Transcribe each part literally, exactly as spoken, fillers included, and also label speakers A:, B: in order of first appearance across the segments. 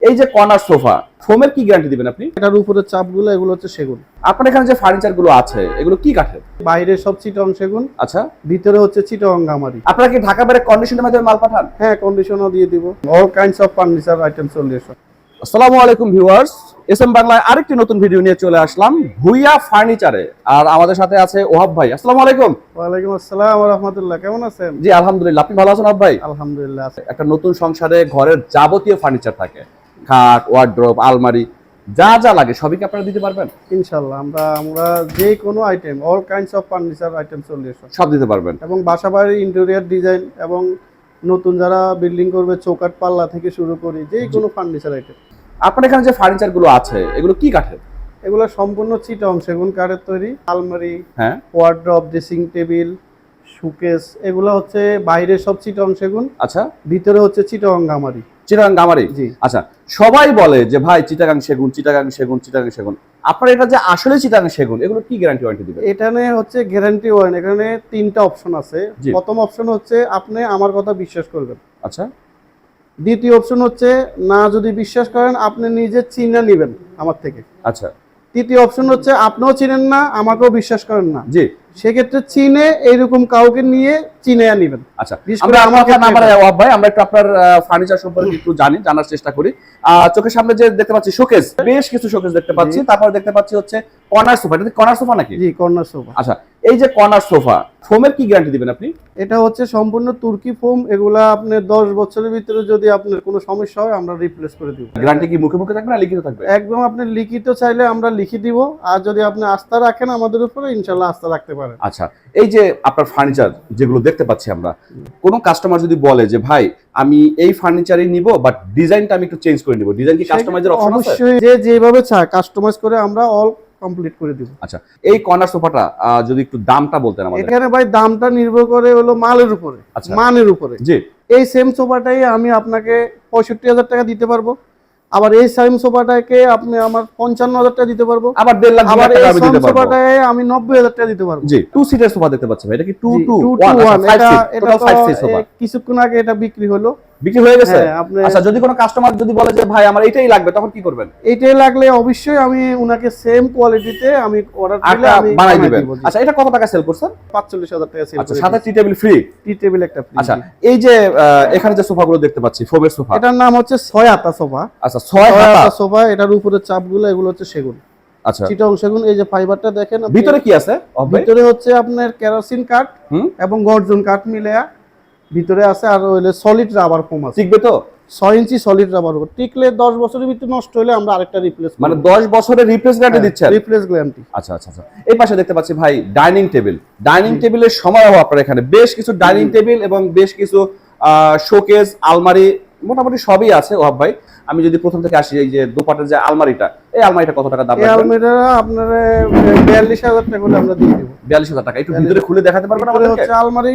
A: এই যে corner sofa ফোমের কি গ্যারান্টি দিবেন আপনি?
B: এটার উপরে চাপগুলো এগুলো হচ্ছে সেগুন।
A: আপনার এখানে যে ফার্নিচার গুলো আছে এগুলো কি কাঠের?
B: বাইরে সব চিটং সেগুন,
A: আচ্ছা,
B: ভিতরে হচ্ছে চিটং গামারি।
A: আপনারা কি ঢাকা বাইরে কন্ডিশনের মাধ্যমে মাল পাঠান?
B: হ্যাঁ, কন্ডিশনও দিয়ে দিব। All kinds of furniture item solution.
A: আসসালামু আলাইকুম ভিউয়ার্স, এস এম বাংলায় আরেকটি নতুন ভিডিও নিয়ে চলে আসলাম ভুইয়া ফার্নিচারে। আর আমাদের সাথে আছে ওহাব ভাই। আসসালামু আলাইকুম।
B: ওয়ালাইকুম আসসালাম ওয়া রাহমাতুল্লাহ। কেমন আছেন?
A: জি আলহামদুলিল্লাহ, আপনি ভালো আছেন ওহাব ভাই?
B: আলহামদুলিল্লাহ আছে।
A: একটা নতুন সংসারে ঘরের যাবতীয় ফার্নিচার থাকে, খাট, ওয়ার্ড্রোব, আলমারি, যা যা লাগে সবই কি আপনারা দিতে পারবেন?
B: ইনশাআল্লাহ আমরা আমরা যে কোনো item all kinds of furniture item solution
A: সব দিতে পারবেন।
B: এবং বাসাবাড়ির ইন্টেরিয়র ডিজাইন এবং নতুন যারা বিল্ডিং করবে চৌকাঠ পাল্লা থেকে শুরু করি যে কোনো ফার্নিচার আইটেম।
A: আপনার এখানে যে ফার্নিচার গুলো আছে এগুলো কি কাঠের?
B: এগুলো সম্পূর্ণ চিটং সেগুন কাঠের তৈরি। আলমারি,
A: হ্যাঁ,
B: ওয়ার্ড্রব, ড্রেসিং টেবিল, শোকেস এগুলো হচ্ছে বাইরে সব চিটং সেগুন,
A: আচ্ছা,
B: ভিতরে হচ্ছে চিটং গামারি।
A: চিটাগাং গামারি।
B: জি।
A: আচ্ছা, সবাই বলে যে ভাই চিটাগাং সেগুন, চিটাগাং সেগুন, চিটাগাং সেগুন। আপনার এটা যে আসলে চিটাগাং সেগুন এগুলো কি গ্যারান্টি ওয়ারেন্টি দিবেন?
B: এখানে হচ্ছে গ্যারান্টি ওয়ারেন্টি। এখানে তিনটা অপশন আছে।
A: জি।
B: প্রথম অপশন হচ্ছে আপনি আমার কথা বিশ্বাস করবেন।
A: আচ্ছা,
B: দ্বিতীয় অপশন হচ্ছে না যদি বিশ্বাস করেন আপনি নিজে চিনে নেবেন আমার থেকে।
A: আচ্ছা,
B: তৃতীয় অপশন হচ্ছে আপনিও চিনেন না আমাকেও বিশ্বাস করেন না,
A: জি,
B: সেক্ষেত্রে চিনে এইরকম কাউকে নিয়ে চিনে নেবেন।
A: আচ্ছা,
B: বিশেষ
A: আমরা
B: করে
A: আমার
B: আমাকে
A: কথা না বাড়াই ওয়াব ভাই, আমরা একটু আপনার ফার্নিচার সম্পর্কে একটু জানি, জানার চেষ্টা করি। আহ, চোখের সামনে যে দেখতে পাচ্ছি শোকেস, বেশ কিছু শোকেস দেখতে পাচ্ছি। তারপর দেখতে পাচ্ছি হচ্ছে কর্নার সোফা। এটা কি কর্নার সোফা নাকি?
B: জি, কর্নার সোফা।
A: আচ্ছা, এই যে কর্নার সোফা ফোমের কি গ্যারান্টি দিবেন আপনি?
B: এটা হচ্ছে সম্পূর্ণ তুর্কি ফোম। এগুলা আপনি দশ বছরের ভিতরে যদি আপনার কোনো সমস্যা হয় আমরা রিপ্লেস করে দিব।
A: গ্যারান্টি কি মুখে মুখে থাকবে না লিখিত থাকবে?
B: একদম আপনি লিখিত চাইলে আমরা লিখে দিব, আর যদি আপনি আস্থা রাখেন আমাদের উপরে ইনশাআল্লাহ আস্থা রাখতে পারেন।
A: আচ্ছা, এই যে আপনার ফার্নিচার যেগুলো দেখতে পাচ্ছি আমরা, কোন কাস্টমার যদি বলে যে ভাই আমি এই ফার্নিচারই নিব বাট ডিজাইনটা আমি একটু চেঞ্জ করে নিব, ডিজাইন কি কাস্টমাইজের অপশন আছে?
B: অবশ্যই, যে যেভাবে চায় কাস্টমাইজ করে আমরা অল কমপ্লিট করে দিব।
A: আচ্ছা, এই কর্নার সোফাটা যদি একটু দামটা বলতেন আমাদের।
B: এখানে ভাই দামটা নির্ভর করে হলো মালের উপরে,
A: আচ্ছা,
B: মানের উপরে।
A: জি।
B: এই সেম সোফাটাই আমি আপনাকে পঁয়ষট্টি হাজার টাকা দিতে পারবো, আবার এই সেম সোফাটাকে আপনি আমার পঞ্চান্ন হাজার টাকা দিতে পারবো,
A: আবার দেড় লাখ
B: আবার এই
A: আমি
B: সেম
A: দিতে পারবো।
B: সোফাটাকে আমি নব্বই হাজার টাকা দিতে পারবো।
A: জি, টু সিটার সোফা দেখতে পাচ্ছি ভাই। এটা কি two two
B: two
A: one?
B: Two one. এটা এটা
A: ফাইভ সিট সোফা
B: কিছুক্ষণ আগে এটা বিক্রি হলো,
A: বিক্রি হয়ে গেছে।
B: হ্যাঁ, আপনি
A: আচ্ছা, যদি কোনো কাস্টমার যদি বলে যে ভাই আমার এটাই লাগবে তখন কি করবেন?
B: এইটাই লাগলে অবশ্যই আমি উনাকে সেম কোয়ালিটিতে আমি অর্ডার দিলে
A: আটা
B: আমি
A: বানাই
B: বানাই
A: দিবেন।
B: দিব। জি।
A: আচ্ছা, এটা কত টাকা সেল করছেন?
B: পাঁচচল্লিশ হাজার টাকা সেল
A: আচ্ছা,
B: করে
A: সাথে
B: দিচ্ছি।
A: Tea table free.
B: Tea table একটা ফ্রি।
A: আচ্ছা, এই যে আহ, এখানে যে সোফাগুলো দেখতে পাচ্ছি ফোমের সোফা,
B: এটার নাম হচ্ছে ছয় আতা সোফা।
A: আচ্ছা, ছয়
B: ছয়
A: হাতা
B: আতা সোফা। এটার উপরে চাপগুলো এগুলো হচ্ছে সেগুন,
A: আচ্ছা,
B: চিটং সেগুন। এই যে ফাইবারটা দেখেন আপনি।
A: ভিতরে কি আছে?
B: ভিতরে হচ্ছে আপনার কেরোসিন কাঠ
A: হুম,
B: এবং গর্জন কাঠ মিলে ভিতরে আছে, আর হইলে সলিড রাবার ফোম আছে।
A: টিকবে তো?
B: ছয় ইঞ্চি সলিড রাবার ফোম টিকলে দশ বছরের ভিতরে নষ্ট হলে আমরা আরেকটা রিপ্লেস
A: মানে দশ বছরের রিপ্লেস গ্যারান্টি দিচ্ছেন?
B: Replace guarantee.
A: আচ্ছা আচ্ছা আচ্ছা, এই পাশে দেখতে পাচ্ছি ভাই ডাইনিং টেবিল। ডাইনিং টেবিলের সমারোহ আপনার এখানে বেশ কিছু ডাইনিং টেবিল এবং বেশ কিছু শোকেস, আলমারি, মোটামুটি সবই আছে ওহাব ভাই। আমি যদি প্রথম থেকে আসি, এই যে দুপাটের যে আলমারিটা, এই আলমারিটা কত টাকা দাম
B: এই
A: রাখবেন?
B: আলমারিটা আপনার বিয়াল্লিশ হাজার টাকা হলে আমরা দিয়ে দেব।
A: বিয়াল্লিশ হাজার টাকা। একটু ভিতরে খুলে দেখাতে পারবেন
B: ভিতরে
A: আমাদেরকে?
B: হচ্ছে আলমারি,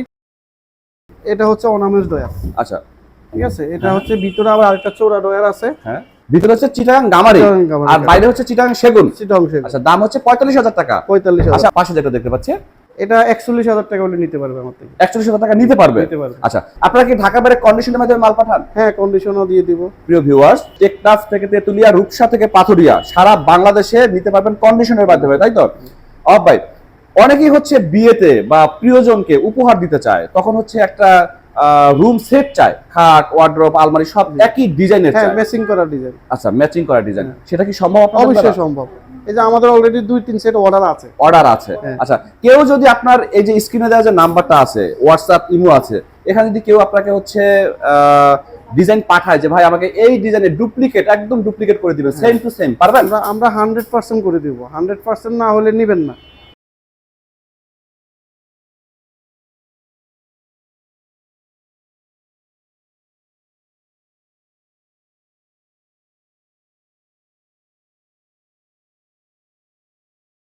B: এটা হচ্ছে অনামেজ ডয়ার।
A: আচ্ছা,
B: ঠিক আছে, এটা হচ্ছে ভিতরে আবার আরেকটা চৌড়া ডয়ার আছে।
A: হ্যাঁ, ভিতরে হচ্ছে চিটাগাং গামারি
B: চিটাগাং গামারি,
A: আর বাইরে হচ্ছে চিটাগাং সেগুন।
B: চিটং সেগুন।
A: আচ্ছা, দাম হচ্ছে পঁয়তাল্লিশ হাজার টাকা।
B: পঁয়তাল্লিশ হাজার।
A: আচ্ছা, পাশে যেটা দেখতে পাচ্ছি
B: এটা একচল্লিশ হাজার টাকা হলে নিতে পারবে আমার থেকে।
A: একচল্লিশ হাজার টাকা নিতে পারবে।
B: নিতে পারবে।
A: আচ্ছা, আপনারা কি ঢাকা বাইরে কন্ডিশনের মাধ্যমে মাল পাঠান?
B: হ্যাঁ, কন্ডিশনও দিয়ে দিব।
A: প্রিয় ভিউয়ার্স, টেকনাফ থেকে তেতুলিয়া, রূপসা থেকে পাথুরিয়া, সারা বাংলাদেশে নিতে পারবেন কন্ডিশনের মাধ্যমে, তাই তো? অব ভাই, অনেকেই হচ্ছে বিয়েতে বা প্রিয়জনকে উপহার দিতে চায়, তখন হচ্ছে একটা রুম সেট চায়, খাট, ওয়ার্ড্রোব, আলমারি সব একই ডিজাইনের
B: হ্যাঁ,
A: চায়।
B: ম্যাচিং করা ডিজাইন।
A: আচ্ছা, ম্যাচিং করা ডিজাইন, সেটা কি সম্ভব আপনাদের
B: অবশ্যই
A: দ্বারা?
B: সম্ভব। এই যে আমাদের অলরেডি দুই তিন সেট অর্ডার আছে।
A: অর্ডার আছে।
B: হ্যাঁ।
A: আচ্ছা, কেউ যদি আপনার এই যে স্ক্রিনে দেওয়া যে নাম্বারটা আছে, হোয়াটসঅ্যাপ, ইমো আছে, এখানে যদি কেউ আপনাকে হচ্ছে ডিজাইন পাঠায় যে ভাই আমাকে এই ডিজাইনের ডুপ্লিকেট, একদম ডুপ্লিকেট করে দিবেন সেম টু সেম, পারবেন?
B: আমরা আমরা হান্ড্রেড পার্সেন্ট করে দিব। হান্ড্রেড পার্সেন্ট না হলে নিবেন না।